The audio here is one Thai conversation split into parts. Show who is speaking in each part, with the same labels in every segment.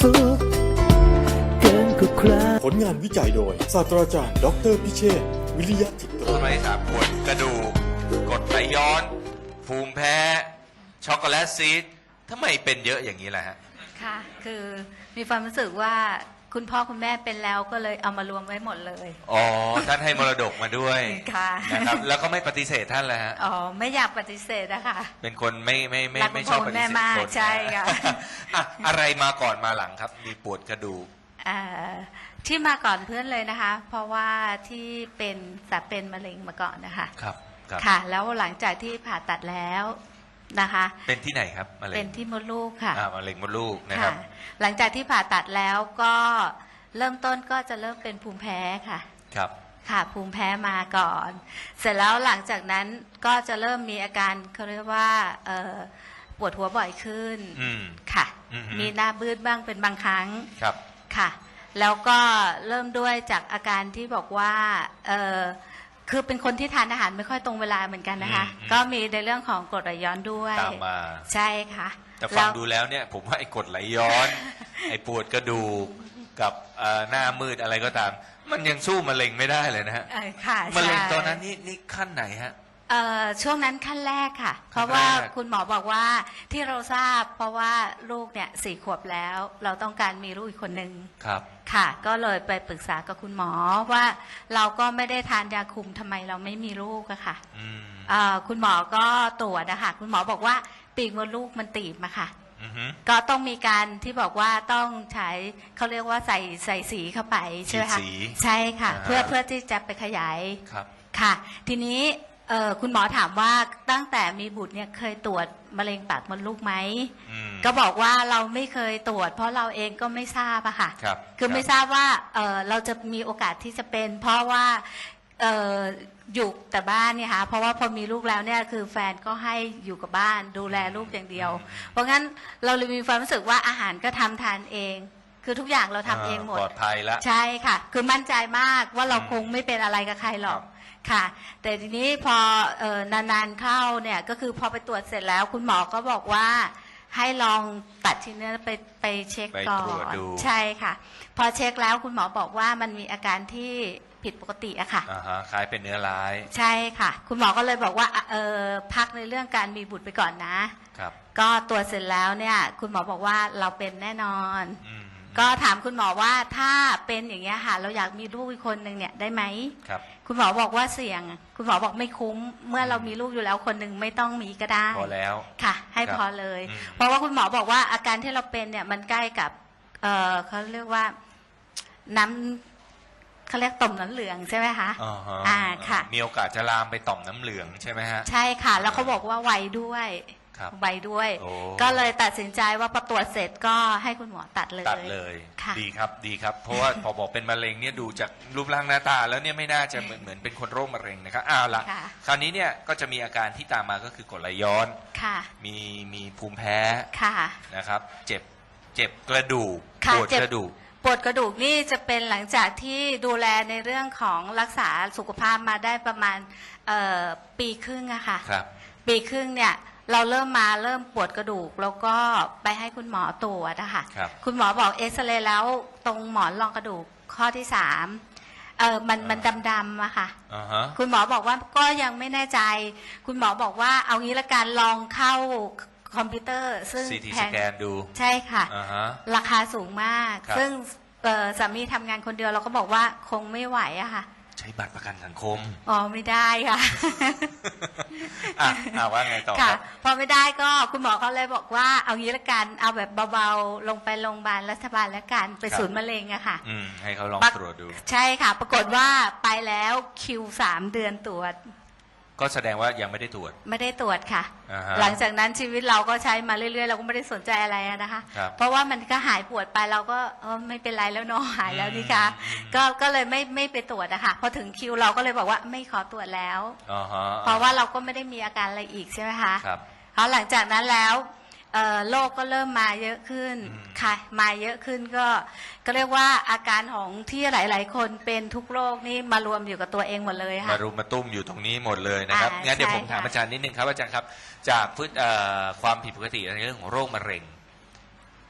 Speaker 1: สุขเกินกว่าใคร
Speaker 2: ผลงานวิจัยโดยศาสตราจารย์ดออเตอร์พิเชษฐ์วิริยะจิตรา
Speaker 3: ต้นไม้สามปวดกระดูกกรดไหลย้อน ภูมิแพ้ ช็อกโกแลตซีดทำไมเป็นเยอะอย่างนี้ล่ะฮะ
Speaker 4: ค่ะ คือมีความรู้สึกว่าคุณพ่อคุณแม่เป็นแล้วก็เลยเอามารวมไว้หมดเลย
Speaker 3: อ๋อ ท่านให้มรดกมาด้วย
Speaker 4: ค่ะ
Speaker 3: นะครับ แล้วก็ไม่ปฏิเสธท่านเลยฮะ
Speaker 4: อ๋อ ไม่อยากปฏิเสธนะคะ
Speaker 3: เป็นคนไม่
Speaker 4: รักคุณ
Speaker 3: ไม่ชอบ
Speaker 4: พ่อคุ
Speaker 3: ป
Speaker 4: ณ
Speaker 3: ฏิ
Speaker 4: แม่
Speaker 3: เสธ
Speaker 4: มาก
Speaker 3: คน
Speaker 4: ใช่ค่ะ
Speaker 3: อ่ะอะไรมาก่อนมาหลังครับ มีปวดกระดูก
Speaker 4: ที่มาก่อนเพื่อนเลยนะคะ เพราะว่าที่เป็นมะเร็งมาก่อนนะคะ
Speaker 3: ครับ ครับ
Speaker 4: ค่ะ แล้วหลังจากที่ผ่าตัดแล้วนะคะ
Speaker 3: เป็นที่ไหนครับมะเร็ง
Speaker 4: เป็นที่มดลูกค่ะ
Speaker 3: มะเร็งมดลูกนะครับ
Speaker 4: หลังจากที่ผ่าตัดแล้วก็เริ่มต้นก็จะเริ่มเป็นภูมิแพ้ค่ะ
Speaker 3: ครับ
Speaker 4: ค่ะภูมิแพ้มาก่อน เสร็จแล้วหลังจากนั้นก็จะเริ่มมีอาการเขาเรียกว่าปวดหัวบ่อยขึ้น
Speaker 3: อืม
Speaker 4: ค่ะ
Speaker 3: อือฮึ
Speaker 4: มีหน้าบืดบ้างเป็นบางครั้ง
Speaker 3: ครับ
Speaker 4: ค่ะ แล้วก็เริ่มด้วยจากอาการที่บอกว่าคือเป็นคนที่ทานอาหารไม่ค่อยตรงเวลาเหมือนกันนะคะ ก็มีในเรื่องของกรดไหลย้อนด้วย
Speaker 3: ตามมา
Speaker 4: ใช่ค่ะ
Speaker 3: แต่ฟังดูแล้วเนี่ย ผมว่าไอ้กรดไหลย้อน ไอ้ปวดกระดูกกับหน้ามืดอะไรก็ตาม มันยังสู้มะเร็งไม่ได้เลยนะฮะ
Speaker 4: ค่ะ
Speaker 3: มะเร็ง
Speaker 4: ใช่
Speaker 3: ตอนนั้นนี่ขั้นไหนฮะ
Speaker 4: ช่วงนั้นขั้นแรกค่ะ เพ
Speaker 3: ขั้นแรก
Speaker 4: ราะว่าคุณหมอบอกว่าที่เราทราบ เพราะว่าลูกเนี่ย4 ขวบแล้ว เราต้องการมีลูกอีกคนหนึ่ง
Speaker 3: ครับ
Speaker 4: ค่ะ ก็เลยไปปรึกษากับคุณหมอว่าเราก็ไม่ได้ทานยาคุมทำไมเราไม่มีลูกอะค่ะ
Speaker 3: อืม
Speaker 4: คุณหมอก็ตรวจนะคะคุณหมอบอกว่าปีกมดลูกมันตีบมาค่ะ
Speaker 3: อือฮึ
Speaker 4: ก็ต้องมีการที่บอกว่าต้องใช้เขาเรียกว่าใส่สีเข้าไปใช่ไหมคะ
Speaker 3: ฉีดสี
Speaker 4: ใช่ค่ะ
Speaker 3: อ่า
Speaker 4: เพื่อที่จะไปขยาย
Speaker 3: ครับ
Speaker 4: ค่ะ ทีนี้คุณหมอถามว่าตั้งแต่มีบุตรเนี่ยเคยตรวจมะเร็งปากมดลูกไหม
Speaker 3: อืม
Speaker 4: ก็บอกว่าเราไม่เคยตรวจ เพราะเราเองก็ไม่ทราบอะค่ะ
Speaker 3: ครับ
Speaker 4: คือไม่ทราบว่าเราจะมีโอกาสที่จะเป็น เพราะว่าอยู่แต่บ้านเนี่ยค่ะเพราะว่าพอมีลูกแล้วเนี่ยคือแฟนก็ให้อยู่กับบ้านดูแลลูกอย่างเดียว เพราะงั้นเราเลยมีความรู้สึกว่าอาหารก็ทำทานเอง คือทุกอย่างเราทำเองหมด
Speaker 3: ปลอดภัยละ
Speaker 4: ใช่ค่ะ คือมั่นใจมากว่าเรา
Speaker 3: อืม
Speaker 4: คงไม่เป็นอะไรกับใครหรอกค่ะ แต่ทีนี้พอนานๆเข้าเนี่ยก็คือพอไปตรวจเสร็จแล้ว คุณหมอก็บอกว่าให้ลองตัดชิ้นเนื้อไปเช็ค
Speaker 3: ไป
Speaker 4: ก่อ
Speaker 3: ตรวจ
Speaker 4: น
Speaker 3: ดู
Speaker 4: ใช่ค่ะ พอเช็คแล้วคุณหมอบอกว่ามันมีอาการที่ผิดปกติอะค่ะ
Speaker 3: อ่าฮะคล้ายเป็นเนื้อร้าย
Speaker 4: ใช่ค่ะ คุณหมอก็เลยบอกว่าพักในเรื่องการมีบุตรไปก่อนนะ
Speaker 3: ครับ
Speaker 4: ก็ตรวจเสร็จแล้วเนี่ย คุณหมอบอกว่าเราเป็นแน่นอน
Speaker 3: อืม
Speaker 4: ก็ถามคุณหมอว่าถ้าเป็นอย่างเงี้ยค่ะเราอยากมีลูกอีกคนหนึ่งเนี่ยได้ไหม
Speaker 3: ครับ
Speaker 4: คุณหมอบอกว่าเสี่ยง คุณหมอบอกไม่คุ้ม เมื่อเรามีลูกอยู่แล้วคนหนึ่งไม่ต้องมีก็ได้
Speaker 3: พอแล้ว
Speaker 4: ค่ะ ให้
Speaker 3: ครับ
Speaker 4: พอเลย
Speaker 3: อืม
Speaker 4: เพราะว่าคุณหมอบอกว่าอาการที่เราเป็นเนี่ยมันใกล้กับเขาเรียกว่าน้ำเขาเรียกต่อมน้ำเหลืองใช่ไหมคะ
Speaker 3: อ่าฮะ
Speaker 4: ค่ะ
Speaker 3: มีโอกาสจะลามไปต่อมน้ำเหลืองใช่ไหมฮะ
Speaker 4: ใช่ค่ะ แล้วเขาบอกว่าไวด้วย
Speaker 3: ครับ
Speaker 4: ไวด้วย
Speaker 3: โอ้
Speaker 4: ก็เลยตัดสินใจว่าพอตรวจเสร็จก็ให้คุณหมอตัดเลย
Speaker 3: ตัดเลย
Speaker 4: ค่ะ
Speaker 3: ดีครับดีครับ เพราะว่า พอบอกเป็นมะเร็งเนี่ยดูจากรูปร่างหน้าตา แล้วเนี่ยไม่น่าจะเหมือนเป็นคนโรคมะเร็งนะครับอ้าวละ
Speaker 4: ค่ะ
Speaker 3: คราวนี้เนี่ยก็จะมีอาการที่ตามมาก็คือกรดไหลย้อน
Speaker 4: ค่ะ
Speaker 3: มีภูมิแพ้
Speaker 4: ค่ะ
Speaker 3: นะครับ เจ็บกระดูก
Speaker 4: ค่ะ
Speaker 3: ปวด
Speaker 4: เจ็บ
Speaker 3: กระดูก
Speaker 4: ปวดกระดูกนี่จะเป็นหลังจากที่ดูแลในเรื่องของรักษาสุขภาพมาได้ประมาณปีครึ่งอะค่ะ
Speaker 3: ครับ
Speaker 4: ปีครึ่งเนี่ยเราเริ่มปวดกระดูก แล้วก็ไปให้คุณหมอตรวจนะคะ
Speaker 3: ครับ
Speaker 4: คุณหมอบอกเอ็กซเรย์แล้วตรงหมอนรองกระดูกข้อที่มันดำๆอะค่ะ
Speaker 3: อ่าฮะ
Speaker 4: คุณหมอบอกว่าก็ยังไม่แน่ใจ คุณหมอบอกว่าเอางี้ละกันลองเข้าคอมพิวเตอร์ ซึ่ง
Speaker 3: CT
Speaker 4: แพ
Speaker 3: ส
Speaker 4: ง
Speaker 3: แกนดู
Speaker 4: ใช่ค่ะ
Speaker 3: อ่าฮะ
Speaker 4: ราคาสูงมาก
Speaker 3: ครับ
Speaker 4: ซึ่งสามีทำงานคนเดียวเราก็บอกว่าคงไม่ไหวอะค่ะ
Speaker 3: ใช้บัตรประกันสังคม
Speaker 4: อ๋อไม่ได้ค่ะ
Speaker 3: ว่าไงต่อค
Speaker 4: ค่ะ
Speaker 3: รับ
Speaker 4: พอไม่ได้ก็คุณหมอเขาเลยบอกว่าเอางี้ละกันเอาแบบเบาๆลงไปโรงพยาบาลรัฐบาลแล้วกันไป
Speaker 3: ครับ
Speaker 4: ศูนย์มะเร็งอะค่ะ
Speaker 3: ให้เขาลองตรวจดู
Speaker 4: ใช่ค่ะ ปรากฏว่าไปแล้วคิว3 เดือนตรวจ
Speaker 3: ก็แสดงว่ายังไม่ได้ตรวจ
Speaker 4: ไม่ได้ตรวจค่ะ
Speaker 3: อ่าฮะ
Speaker 4: หลังจากนั้นชีวิตเราก็ใช้มาเรื่อยๆเราก็ไม่ได้สนใจอะไรอะนะคะ
Speaker 3: ครับ
Speaker 4: เพราะว่ามันก็หายปวดไปเราก็ไม่เป็นไรแล้วเนาะหายแล้วนี่คะ ก็เลยไม่ไปตรวจอะค่ะพอถึงคิวเราก็เลยบอกว่าไม่ขอตรวจแล้ว
Speaker 3: อ่าฮะ
Speaker 4: เพราะว่าเราก็ไม่ได้มีอาการอะไรอีกใช่ไหมคะ
Speaker 3: ครับ
Speaker 4: เพราะหลังจากนั้นแล้วโรคก็เริ่มมาเยอะขึ้น
Speaker 3: อืม
Speaker 4: ค่ะมาเยอะขึ้นก็เรียกว่าอาการของที่หลาย ๆ คนเป็นทุกโรคนี่มารวมอยู่กับตัวเองหมดเลยค่ะ
Speaker 3: มารุมมาตุ้มอยู่ตรงนี้หมดเลยนะครับ งั้นเดี๋ยว
Speaker 4: ใช่
Speaker 3: ผมถาม
Speaker 4: ค่ะ
Speaker 3: อาจารย์นิดนึงครับอาจารย์ครับ จากความผิดปกติในเรื่องของโรคมะเร็ง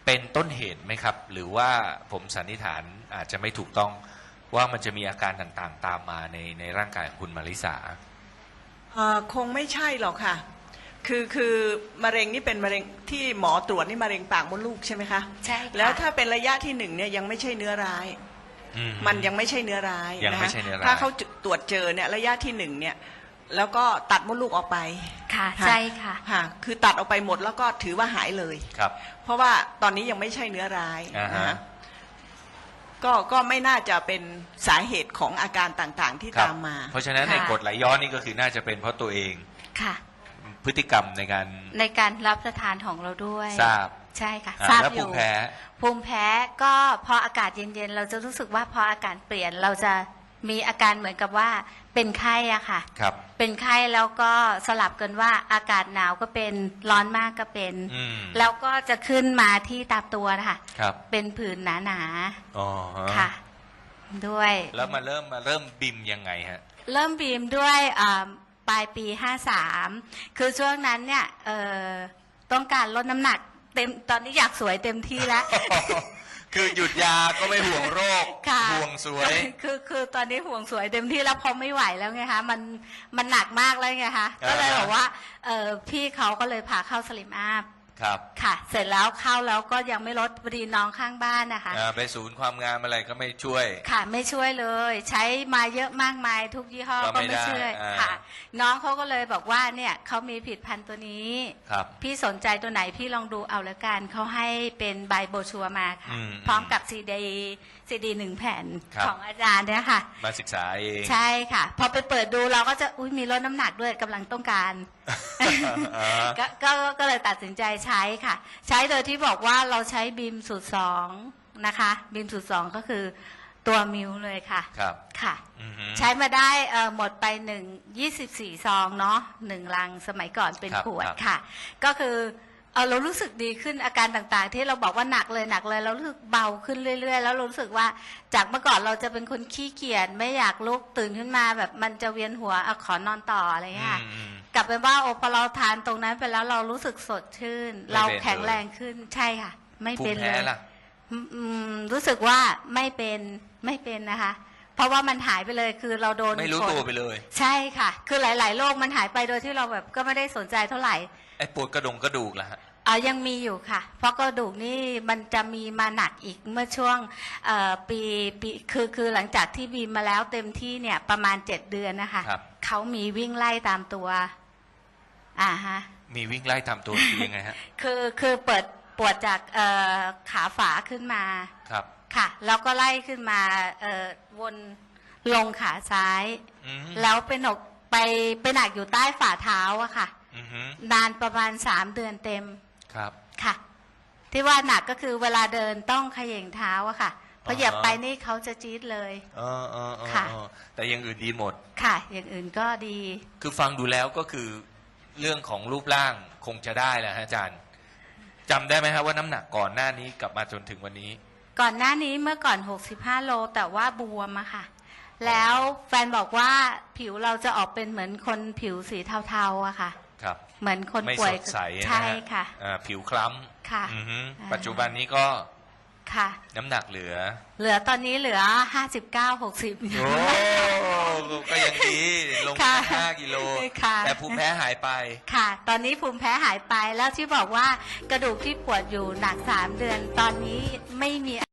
Speaker 3: เป็นต้นเหตุไหมครับ หรือว่าผมสันนิษฐานอาจจะไม่ถูกต้องว่ามันจะมีอาการต่างๆ ตามมาในร่างกายของคุณมาริสา
Speaker 5: คงไม่ใช่หรอกค่ะคือมะเร็งนี่เป็นมะเร็งที่หมอตรวจนี่มะเร็งปากมดลูกใช่ไหมคะ
Speaker 4: ใช่ค่ะ
Speaker 5: แล้วถ้าเป็นระยะที่1เนี่ยยังไม่ใช่เนื้อร้าย มันยังไม่ใช่เนื้อร้าย
Speaker 3: ยังไม่
Speaker 5: นะ
Speaker 3: ใช่
Speaker 5: คะ
Speaker 3: เนื้อร้าย
Speaker 5: ถ้าเขาตรวจเจอเนี่ยระยะที่1เนี่ยแล้วก็ตัดมดลูกออกไป
Speaker 4: ค่ะใช่ค่ะ
Speaker 5: ค่ะคือตัดออกไปหมดแล้วก็ถือว่าหายเลย
Speaker 3: ครับ
Speaker 5: เพราะว่าตอนนี้ยังไม่ใช่เนื้อร้าย
Speaker 3: อ่าฮะ
Speaker 5: นะคะก็ไม่น่าจะเป็นสาเหตุของอาการต่างๆที่
Speaker 3: ครับ
Speaker 5: ตามมา
Speaker 3: เพราะฉะนั้น
Speaker 4: ค่ะ
Speaker 3: ในกรดไหลย้อนนี่ก็คือน่าจะเป็นเพราะตัวเอง
Speaker 4: ค่ะ
Speaker 3: พฤติกรรมในการ
Speaker 4: ในการรับประทานของเราด้วย
Speaker 3: ทราบ
Speaker 4: ใช่ค่ะ
Speaker 3: อ่า
Speaker 4: ทราบ
Speaker 3: แล้ว
Speaker 4: อ
Speaker 3: ภู
Speaker 4: ยู่
Speaker 3: มิแพ้
Speaker 4: ภูมิแพ้ก็พออากาศเย็นๆเราจะรู้สึกว่าพออากาศเปลี่ยนเราจะมีอาการเหมือนกับว่าเป็นไข้อะค่ะ
Speaker 3: ครับ
Speaker 4: เป็นไข้แล้วก็สลับกันว่าอากาศหนาวก็เป็นร้อนมากก็เป็น
Speaker 3: อืม
Speaker 4: แล้วก็จะขึ้นมาที่ตามตัวนะคะ
Speaker 3: ครับ
Speaker 4: เป็นผื่นหนา
Speaker 3: อ๋อฮะ
Speaker 4: ๆค่ะ ด้วย
Speaker 3: แล้วมาเริ่มบิมยังไงฮะ
Speaker 4: เริ่มบีมด้วยปลายปี 53 คือช่วงนั้นเนี่ยต้องการลดน้ำหนักเต็มตอนนี้อยากสวยเต็มที่แล้ว
Speaker 3: คือหยุดยาก็ไม่ห่วงโรค
Speaker 4: ค่ะ
Speaker 3: ห่วงสวย
Speaker 4: คือตอนนี้ห่วงสวยเต็มที่แล้วพอไม่ไหวแล้วไงคะมันหนักมากแล้วไงคะ
Speaker 3: อ่า
Speaker 4: ก็เลยบอกว่าพี่เขาก็เลยพาเข้าสลิมอัพ
Speaker 3: ครับ
Speaker 4: ค่ะ เสร็จแล้วเข้าแล้วก็ยังไม่ลดพอดีน้องข้างบ้านนะคะ
Speaker 3: ไปศูนย์ความงามอะไรก็ไม่ช่วย
Speaker 4: ค่ะไม่ช่วยเลย ใช้มาเยอะมากมายทุกยี่ห้อ
Speaker 3: ก็
Speaker 4: ก็
Speaker 3: ไม่
Speaker 4: ไม่ช่วย
Speaker 3: ได้อ่า
Speaker 4: ค่ะ น้องเขาก็เลยบอกว่าเนี่ยเขามีผลิดพันธุ์ตัวนี้
Speaker 3: ครับ
Speaker 4: พี่สนใจตัวไหนพี่ลองดูเอาละกันเขาให้เป็นใบโบรชัวร์มาค่ะ
Speaker 3: อืม
Speaker 4: พร้อมกับซีดี1 แผ่น
Speaker 3: ครับ
Speaker 4: ของอาจารย์เนี่ยค่ะ
Speaker 3: มาศึกษาเอง
Speaker 4: ใช่ค่ะ พอไปเปิดดูเราก็จะอุ้ยมีลดน้ำหนักด้วยกำลังต้องการ
Speaker 3: อ่า
Speaker 4: ก็เลยตัดสินใจใช้ค่ะ ใช้โดยที่บอกว่าเราใช้บีมสูตร2นะคะบีมสูตร2ก็คือตัวมิวเลยค่ะ
Speaker 3: ครับ
Speaker 4: ค่ะ
Speaker 3: อือฮึ
Speaker 4: ใช้มาได้หมดไป24 ซองเนาะ1 ลังสมัยก่อนเป็น
Speaker 3: ครับ
Speaker 4: ขวด
Speaker 3: ครับ
Speaker 4: ค่ะ ก็คือเรารู้สึกดีขึ้นอาการต่างๆ ที่เราบอกว่าหนักเลยเรารู้สึกเบาขึ้นเรื่อยๆ แล้วเรารู้สึกว่าจากเมื่อก่อนเราจะเป็นคนขี้เกียจไม่อยากลุกตื่นขึ้นมาแบบมันจะเวียนหัวขอนอนต่ออะไรอย่างเงี้ยค่ะ
Speaker 3: อืม
Speaker 4: กลับไปว่าพอเราทานตรงนั้นไปแล้วเรารู้สึกสดชื่น
Speaker 3: ไม่เป็น
Speaker 4: เราแข็งแรงขึ้นใช่ค่ะ ไม่
Speaker 3: ภู
Speaker 4: เป็
Speaker 3: มิ
Speaker 4: นเล
Speaker 3: แพ้
Speaker 4: ย
Speaker 3: ล่ะ
Speaker 4: รู้สึกว่าไม่เป็นนะคะ เพราะว่ามันหายไปเลยคือเราโดน
Speaker 3: ไม่รู้
Speaker 4: กด
Speaker 3: ตัวไปเลย
Speaker 4: ใช่ค่ะ คือหลายๆโรคมันหายไปโดยที่เราแบบก็ไม่ได้สนใจเท่าไหร่
Speaker 3: ไอ้ปวดกระดูกล่ะฮะ
Speaker 4: ยังมีอยู่ค่ะ เพราะกระดูกนี่มันจะมีมาหนักอีกเมื่อช่วงปีคือหลังจากที่บีมมาแล้วเต็มที่เนี่ยประมาณ7 เดือนนะคะ
Speaker 3: ครับ
Speaker 4: เขามีวิ่งไล่ตามตัวฮะ
Speaker 3: มีวิ่งไล่ทำตัวคือยังไงฮะ
Speaker 4: คือเปิดปวดจากขาฝาขึ้นมา
Speaker 3: ครับ
Speaker 4: ค่ะ แล้วก็ไล่ขึ้นมาวนลงขาซ้าย
Speaker 3: อืม
Speaker 4: แล้วไปหนักอยู่ใต้ฝ่าเท้าอะค่ะ
Speaker 3: อือฮึ
Speaker 4: นานประมาณ3 เดือนเต็ม
Speaker 3: ครับ
Speaker 4: ค่ะ ที่ว่าหนักก็คือเวลาเดินต้องเขย่งเท้าอะค่ะเพราะเหยียบไปนี่เขาจะจี๊ดเลย ค่ะ
Speaker 3: แต่อยังอื่นดีหมด
Speaker 4: ค่ะ อย่างอื่นก็ดี
Speaker 3: คือฟังดูแล้วก็คือเรื่องของรูปร่างคงจะได้แหละฮะอาจารย์จำได้ไหมฮะว่าน้ำหนักก่อนหน้านี้กลับมาจนถึงวันนี้
Speaker 4: ก่อนหน้านี้เมื่อก่อน65 โลแต่ว่าบวมอะค่ะ แล้วแฟนบอกว่าผิวเราจะออกเป็นเหมือนคนผิวสีเทาๆอะค่ะ
Speaker 3: ครับ
Speaker 4: เหมือนคน
Speaker 3: ไม่
Speaker 4: ป่ว
Speaker 3: ส
Speaker 4: ย
Speaker 3: ดใสนะฮ
Speaker 4: ใช่ค่ะ
Speaker 3: ผิวคล้ำ
Speaker 4: ค่ะ
Speaker 3: อือฮึ
Speaker 4: อ่า
Speaker 3: ปัจจุบันนี้ก็
Speaker 4: ค่ะ
Speaker 3: น้ำหนักเหลือ
Speaker 4: ตอนนี้เหลือ59-60
Speaker 3: โอ้ก็ยังดีลง
Speaker 4: ค่ะ
Speaker 3: มา5 กิโล
Speaker 4: ค่ะ
Speaker 3: แต่ภูมิแพ้หายไป
Speaker 4: ค่ะ ตอนนี้ภูมิแพ้หายไปแล้วที่บอกว่ากระดูกที่ปวดอยู่หนัก3 เดือน ตอนนี้ไม่มี